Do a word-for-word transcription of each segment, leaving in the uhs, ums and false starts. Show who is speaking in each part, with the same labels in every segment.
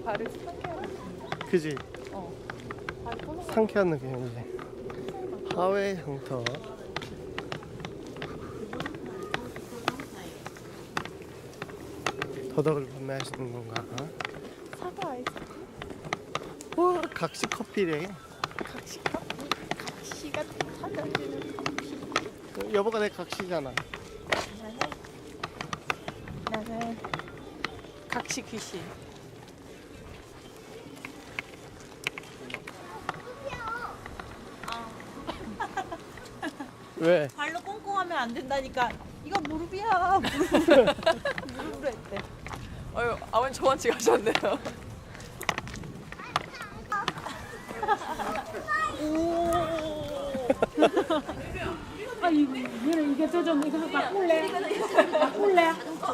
Speaker 1: 발을 상쾌하게.
Speaker 2: 그지?
Speaker 1: 어. 발 떠나.
Speaker 2: 상쾌한 느낌이지. 하회 향터. 더덕을 판매하시는 건가?
Speaker 1: 사과 아이스크림?
Speaker 2: 와, 각시 커피래.
Speaker 1: 각시 커피? 각시가 사장되는 커피.
Speaker 2: 여보가 내 각시잖아.
Speaker 1: 나는 나는 각시 귀신.
Speaker 2: 왜?
Speaker 1: 발로 꽁꽁하면 안 된다니까. 이거 무릎이야. 무릎으로, 무릎으로 했대.
Speaker 3: 어유 아버님 저만치 가셨네요.
Speaker 4: 아 이거 얘는 이게 저좀 이거 바꿀래? 바꿀래?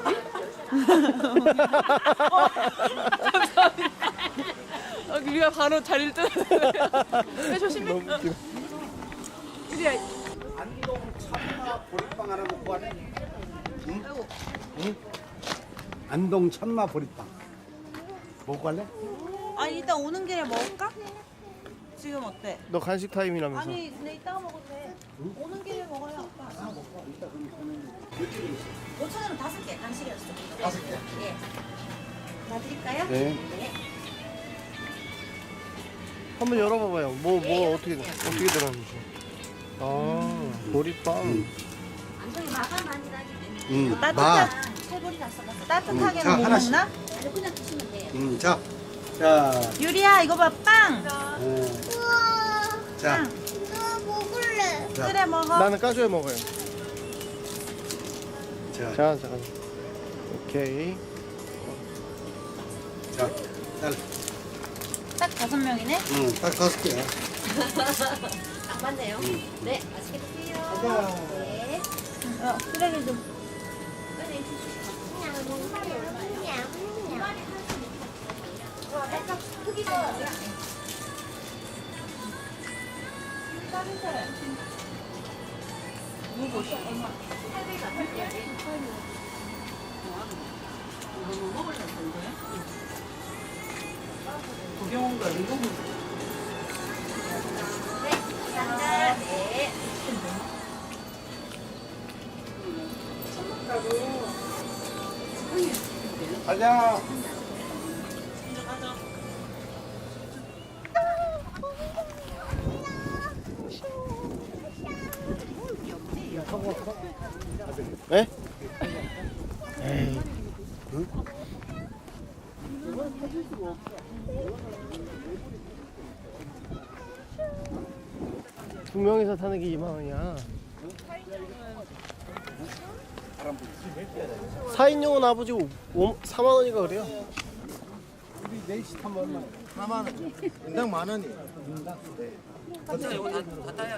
Speaker 3: 아, 우리가 바로 자리를 뜨는. 네, 조심해.
Speaker 2: 너무 웃기다.
Speaker 3: 우리야.
Speaker 5: 안동 참마 보리빵 하나 먹고 가네. 응? 응? 안동 참마 보리빵 먹고 갈래?
Speaker 1: 아니 이따 오는 길에 먹을까? 지금 어때?
Speaker 2: 너 간식 타임이라면서.
Speaker 1: 아니 근데 이따가 먹어도 돼. 오는 길에 먹어야 아빠. 오천 원은 다섯 개 간식이었어.
Speaker 5: 다섯 개.
Speaker 1: 예. 놔드릴까요?
Speaker 5: 네.
Speaker 2: 한번 열어봐봐요. 뭐, 뭐, 어떻게, 어떻게 들었는지. 아, 보리빵.
Speaker 6: 안동이 마감 아니라기 때문에
Speaker 5: 응.
Speaker 1: 따뜻한 세골이 다 썩었어. 따뜻하게는
Speaker 5: 자,
Speaker 1: 못
Speaker 5: 하나씩.
Speaker 1: 먹나?
Speaker 6: 그냥 드시면 돼요.
Speaker 5: 음, 자, 자,
Speaker 1: 유리야 이거 봐 빵.
Speaker 5: 어, 자,
Speaker 6: 나 먹을래.
Speaker 5: 자,
Speaker 1: 그래 먹어.
Speaker 2: 나는 까줘야 먹어요.
Speaker 5: 자,
Speaker 2: 자, 자. 오케이.
Speaker 5: 자, 잘,
Speaker 1: 딱 다섯 명이네.
Speaker 5: 응, 딱 다섯 개야.
Speaker 6: 딱 맞네요. 네, 맛있게 드세요.
Speaker 5: 가자.
Speaker 6: 네.
Speaker 1: 어, 쓰레기 좀.
Speaker 6: 꺼내 주시고. 그냥 한 얼마예요? 그냥. 약간 크기 좀 나요. 네, 감사합니다. 네.
Speaker 5: 가자.
Speaker 2: 에? 에이. 두 명이서 타는 게 이만 원이야. 사 인용은 아버지 사만 원이가 그래요.
Speaker 5: 우리 넷이 타면 얼마? 사만 원. 인당 만 원이.
Speaker 3: 진짜 이거 다, 다 따야.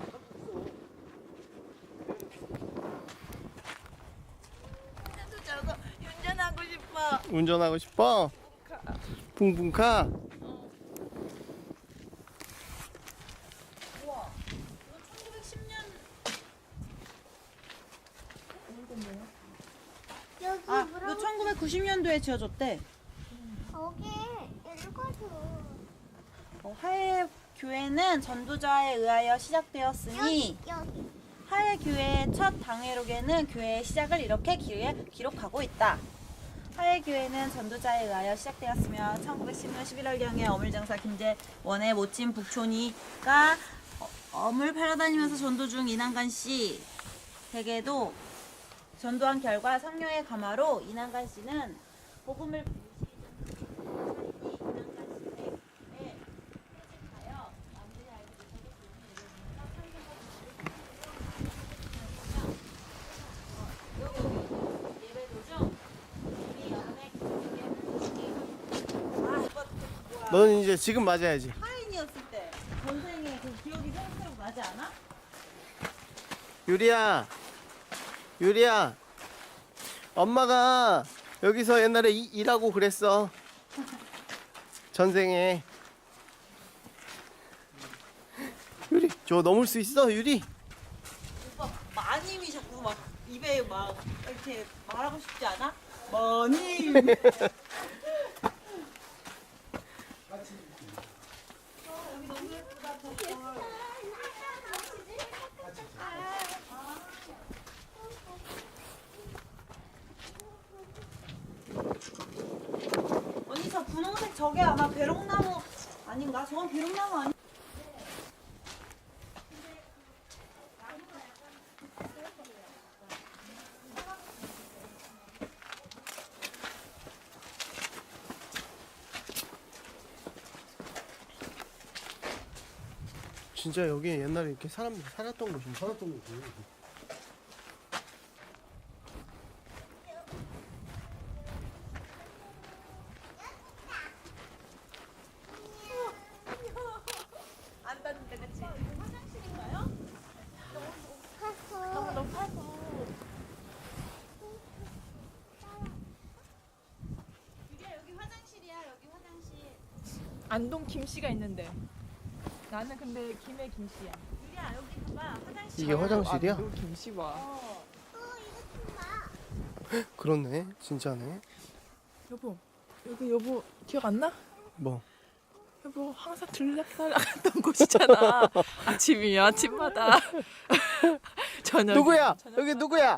Speaker 1: 나도 저거 운전하고 싶어.
Speaker 2: 운전하고 싶어? 붕붕카?
Speaker 1: 우와. 이거 천구백십 년.
Speaker 6: 여기
Speaker 1: 아, 이거 천구백구십 년도에 지어졌대.
Speaker 6: 거기 읽어줘.
Speaker 1: 어, 하해 교회는 전도자에 의하여 시작되었으니
Speaker 6: 여기.
Speaker 1: 하해 교회의 첫 당회록에는 교회의 시작을 이렇게 기, 기록하고 있다. 하해 교회는 전도자에 의하여 시작되었으며 천구백십 년 십일월경에 어물장사 김재원의 모친 북촌이가 어, 어물 팔아 다니면서 전도 중 이난간 씨에게도 전도한 결과 성령의 감화로 이난간 씨는 복음을
Speaker 2: 너는 이제 지금 맞아야지.
Speaker 1: 하인이었을 때 전생에 그 기억이 생생하고 나지 않아?
Speaker 2: 유리야, 유리야. 엄마가 여기서 옛날에 이, 일하고 그랬어. 전생에. 유리, 저 넘을 수 있어, 유리?
Speaker 1: 오빠 마님이 자꾸 막 입에 막 이렇게 말하고 싶지 않아? 마님. 저게 아마 배롱나무 아닌가? 저건 배롱나무 아니?
Speaker 2: 진짜 여기 옛날에 이렇게 사람들이 살았던 곳인가? 살았던 곳이.
Speaker 3: 안 닿는데 그치?
Speaker 1: 화장실인가요?
Speaker 6: 가서
Speaker 3: 높아서.
Speaker 1: 유리야 여기 화장실이야. 여기 화장실.
Speaker 3: 안동 김씨가 있는데. 나는 근데 김해 김씨야.
Speaker 1: 유리야 여기 봐봐. 화장실.
Speaker 2: 이게 화장실이야?
Speaker 3: 안동 김씨 봐.
Speaker 1: 어.
Speaker 6: 어 이거 좀 봐.
Speaker 2: 그렇네. 진짜네.
Speaker 3: 여보, 여기 여보 기억 안 나?
Speaker 2: 뭐?
Speaker 3: 여보 항상 들락날락했던 곳이잖아. 아침이야 아침마다. 저녁.
Speaker 2: 누구야? 여기 누구야?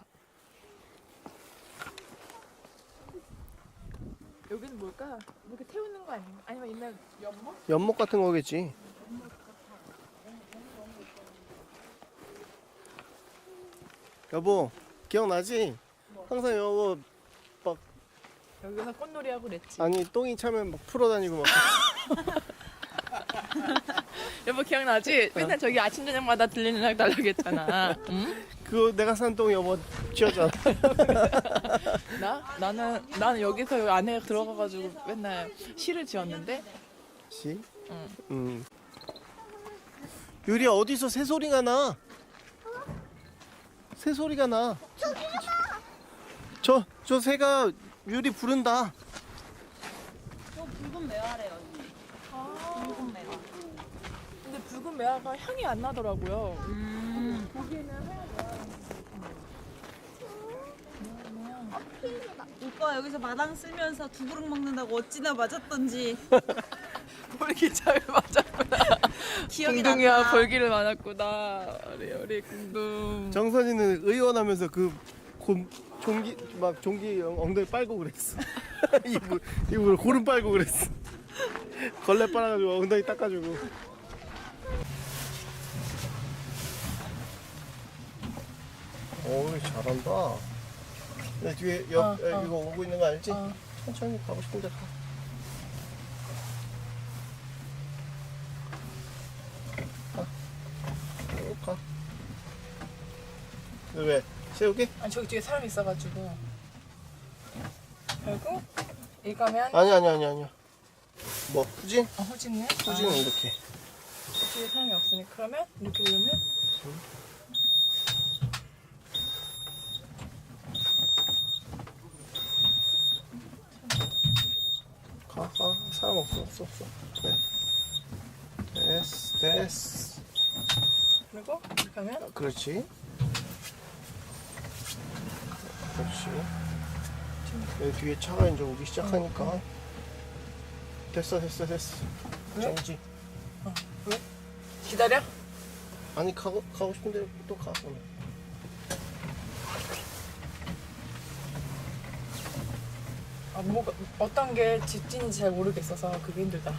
Speaker 3: 여기는 뭘까? 이렇게 태우는 거 아닌가? 아니면 옛날 연못?
Speaker 2: 연못 같은 거겠지. 여보, 기억나지? 항상 여보 막
Speaker 3: 여기서 꽃놀이 하고 그랬지.
Speaker 2: 아니 똥이 차면 막 풀어다니고 막.
Speaker 3: 여보 기억나지? 맨날 저기 아침 저녁마다 들리는 날달라겠잖아. 응?
Speaker 2: 그거 내가 산 똥 여보 쥐었잖아.
Speaker 3: 나? 나는 나는 여기서 여기 안에 들어가가지고 맨날 시를 지었는데.
Speaker 2: 씨?
Speaker 3: 응.
Speaker 2: 음. 유리야 어디서 새 소리가 나? 새 소리가 나. 저, 저 새가 유리 부른다.
Speaker 1: 저 붉은 매화래요. 언니.
Speaker 3: 아,
Speaker 1: 붉은 매화.
Speaker 3: 근데 붉은 매화가 향이 안 나더라고요.
Speaker 1: 음.
Speaker 3: 보기에는 하얀
Speaker 1: 오빠 여기서 마당 쓸면서 두 그릇 먹는다고 어찌나 맞았던지
Speaker 3: 볼기잘 맞았구나.
Speaker 1: 기억이
Speaker 3: 궁둥이와
Speaker 1: 난다.
Speaker 3: 볼기를 맞았구나. 우리 우리 궁둥.
Speaker 2: 정선이는 의원하면서 그 곰, 종기 막 종기 엉- 엉덩이 빨고 그랬어. 이불 이불 고름 빨고 그랬어. 걸레 빨아가지고 엉덩이 닦아주고. 오 잘한다. 내 뒤에 옆
Speaker 3: 어,
Speaker 2: 에,
Speaker 3: 어.
Speaker 2: 이거 오고 있는 거 알지?
Speaker 3: 어.
Speaker 2: 천천히 가고 싶은데 가. 가. 쭉 가. 왜? 세우게?
Speaker 3: 아니 저기 뒤에 사람이 있어가지고. 그리고 이거면
Speaker 2: 아니 아니 아니 아니야. 뭐 후진?
Speaker 3: 어, 후진네.
Speaker 2: 후진은
Speaker 3: 아,
Speaker 2: 이렇게.
Speaker 3: 뒤에 사람이 없으니 그러면 이렇게 누르면
Speaker 2: 가, 가. 사람 없어, 없어, 없어. 그래. 됐어, 됐어.
Speaker 3: 그리고 이렇게 하면
Speaker 2: 그렇지. 그렇지. 여기 뒤에 차가 이제 오기 시작하니까. 됐어, 됐어, 됐어.
Speaker 3: 왜?
Speaker 2: 정지.
Speaker 3: 왜? 기다려?
Speaker 2: 아니, 가고, 가고 싶은데 또 가. 오늘.
Speaker 3: 아, 뭐가 어떤 게 직진인지 잘 모르겠어서 그게 힘들다.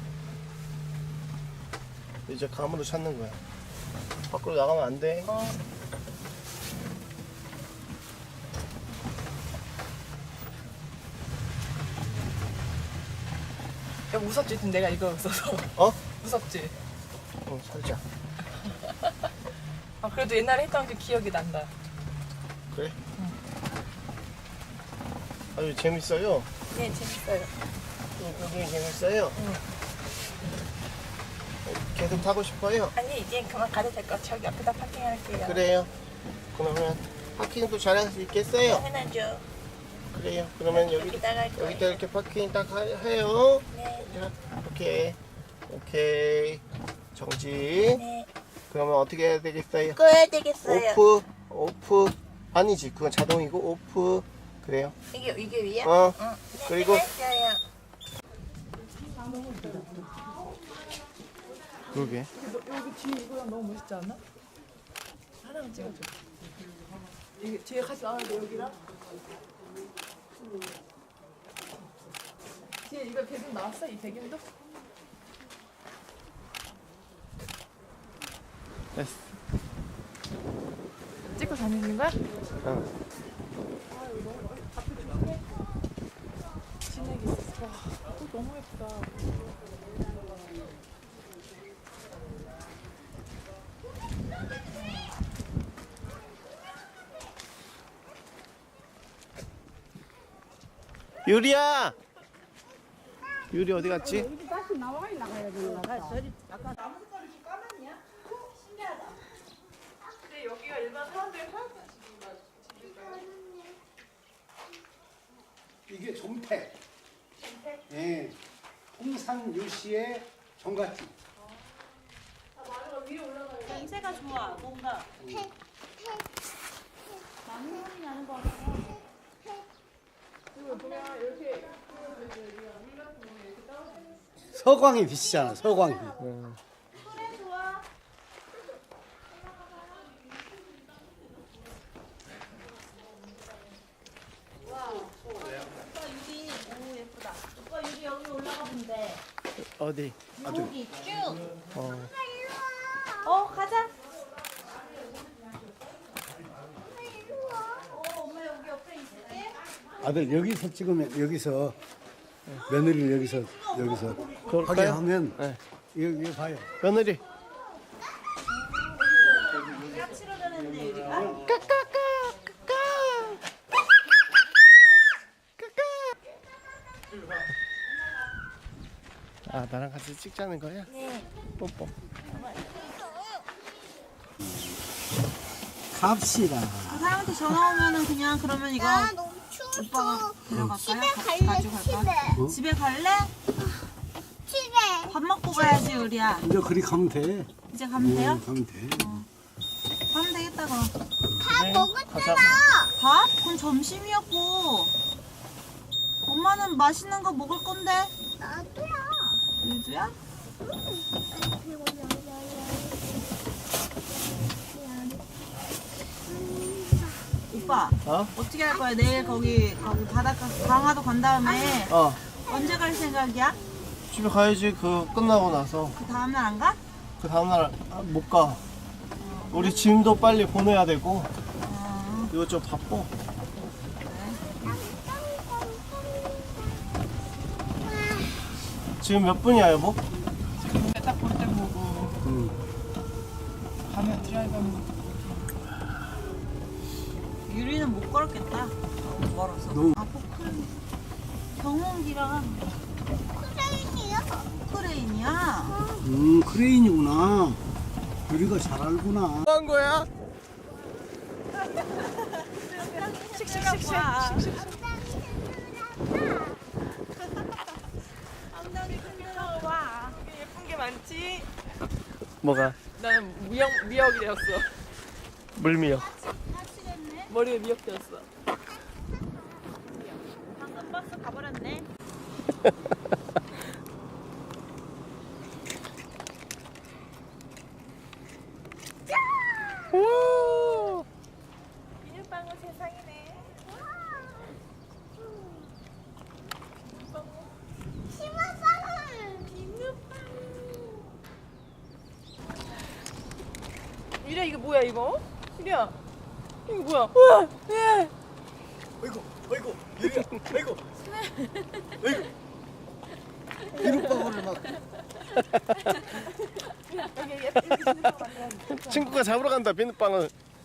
Speaker 2: 이제 감으로 찾는 거야. 밖으로 나가면 안 돼.
Speaker 3: 어. 야 무섭지? 내가 이거 써서.
Speaker 2: 어?
Speaker 3: 무섭지?
Speaker 2: 어, 살짝.
Speaker 3: 아 그래도 옛날에 했던 게 기억이 난다.
Speaker 2: 그래? 아주 재밌어요.
Speaker 3: 네 재밌어요.
Speaker 2: 굉장히 재밌어요. 계속 타고 싶어요.
Speaker 3: 아니 이제 그만 가도 될 것 같아. 저기 앞에다 파킹할게요.
Speaker 2: 그래요. 그러면 파킹도 잘할 수 있겠어요?
Speaker 3: 당연하죠.
Speaker 2: 그래요. 그러면 여기
Speaker 3: 여기다가 할 거예요.
Speaker 2: 여기다 이렇게 파킹 딱 하- 해요.
Speaker 3: 네.
Speaker 2: 자, 오케이, 오케이. 정지.
Speaker 3: 네.
Speaker 2: 그러면 어떻게 해야 되겠어요?
Speaker 3: 꺼야 되겠어요.
Speaker 2: 오프, 오프. 아니지, 그건 자동이고 오프. 그래요.
Speaker 3: 이게 이게 위야?
Speaker 2: 어.
Speaker 3: 응.
Speaker 2: 그리고
Speaker 3: 했어요.
Speaker 2: 그러게.
Speaker 3: 여기 뒤에 이거랑 너무 멋있지 않아? 하나만 찍어줘. 이게 뒤에 같이 나와야 돼 여기랑. 뒤에 이거 배경 나왔어? 이 배경도?
Speaker 2: 됐어.
Speaker 3: 찍고 다니는 거야?
Speaker 2: 어.
Speaker 3: 진액이 있었어. 와, 꽃 너무 예쁘다.
Speaker 2: 유리야. 유리 어디 갔지?
Speaker 4: 다시 나와 나가야 되는 거야.
Speaker 3: 근데 여기가 일반 사람들이 하나도
Speaker 5: 이게 종택. 예. 홍산 유씨의 종갓집.
Speaker 1: 냄새가 좋아. 뭔가
Speaker 5: 서광이 빛이잖아. 서광이.
Speaker 1: 그래 좋아. 와, 오빠 유리, 오 예쁘다. 오빠 유리 여기 올라가 본대.
Speaker 2: 어디?
Speaker 1: 여기 쭉.
Speaker 2: 어.
Speaker 1: 어 가자. 어 엄마 여기 옆에 있을게.
Speaker 5: 아들 여기서 찍으면 여기서 며느리를 여기서 여기서 하게
Speaker 2: 그럴까요?
Speaker 5: 하면
Speaker 2: 네.
Speaker 5: 여기, 여기 봐요.
Speaker 2: 며느리.
Speaker 1: 까치로 되는데 유리가.
Speaker 2: 아 나랑 같이 찍자는 거야?
Speaker 1: 네.
Speaker 2: 뽀뽀.
Speaker 5: 갑시다.
Speaker 1: 그 사람한테 전화 오면은 그냥 그러면 이거
Speaker 6: 나 너무
Speaker 1: 오빠가
Speaker 6: 추워.
Speaker 1: 데려갈까요?
Speaker 6: 집에
Speaker 1: 가-
Speaker 6: 갈래,
Speaker 1: 가져갈까?
Speaker 6: 집에.
Speaker 1: 집에 갈래?
Speaker 6: 집에.
Speaker 1: 밥 먹고 가야지 우리야.
Speaker 5: 이제 그리 가면 돼.
Speaker 1: 이제 가면 돼요?
Speaker 5: 응, 가면 돼.
Speaker 1: 가면 되겠다 그럼.
Speaker 6: 밥 먹었잖아.
Speaker 1: 밥? 그건 점심이었고. 엄마는 맛있는 거 먹을 건데.
Speaker 6: 나도야.
Speaker 1: 유주야? 오빠
Speaker 2: 어?
Speaker 1: 어떻게 할 거야? 내일 거기 거기 바닷가 강화도 간 다음에
Speaker 2: 어.
Speaker 1: 언제 갈 생각이야?
Speaker 2: 집에 가야지. 그 끝나고 나서.
Speaker 1: 그 다음날 안 가?
Speaker 2: 그 다음날 아, 못 가. 우리 짐도 빨리 보내야 되고.
Speaker 1: 어,
Speaker 2: 이거 좀 바빠. 지금 몇 분이야 여보?
Speaker 3: 딱 볼 때 보고
Speaker 5: 응.
Speaker 3: 가면 드라이브 하는 거.
Speaker 1: 유리는 못 걸었겠다. 너무 멀어서.
Speaker 5: 너무-
Speaker 1: 아 포크레인. 경운기랑
Speaker 6: 크레인이야?
Speaker 1: 포크레인이야.
Speaker 5: 음, 크레인이구나. 우리가 잘 알구나.
Speaker 2: 뭐 한 거야?
Speaker 1: 씩씩씩씩. 엉덩이 흔들어 봐.
Speaker 3: 예쁜 게 많지?
Speaker 2: 뭐가?
Speaker 3: 나는 미역, 미역이 되었어.
Speaker 2: 물미역.
Speaker 1: 다치겠네.
Speaker 3: 머리에 미역 되었어.
Speaker 1: 방금 버스 가버렸네.
Speaker 2: 오!
Speaker 3: 비눗방울 세상이네.
Speaker 6: 심었어는.
Speaker 3: 유리야 이거 뭐야 이거? 유리야 이거 뭐야? 우와! 예!
Speaker 5: 아이고, 아이고, 유리야, 아이고. 아이고. 비눗방울을 막.
Speaker 3: 여기 예쁘게 비눗방울 만들었네.
Speaker 2: 친구가 잡으러 간다 비눗방울.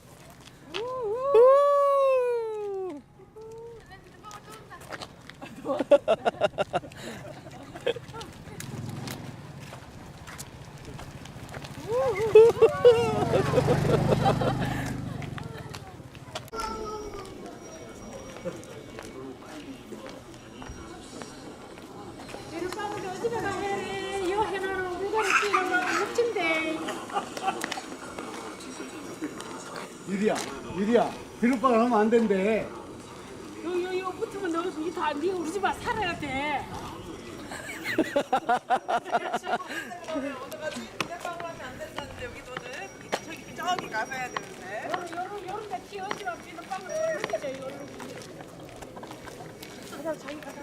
Speaker 4: 비눗방울이 어디가 가해? 요 해나는 물건을 끼는 거 멋진데.
Speaker 5: 유리야, 유리야. 비눗방울 하면 안 된대.
Speaker 4: 요요 요 붙으면 너 다 네 우리 집에 살아야 돼.
Speaker 3: 어떡하지? 비눗방울 하면 안 된다는데 여기서는 저기 저기 가서 해야 되는데.
Speaker 4: 요런 요런 요런 데 튀어지면 비눗방울을 느껴져 요런. 그래서 자기가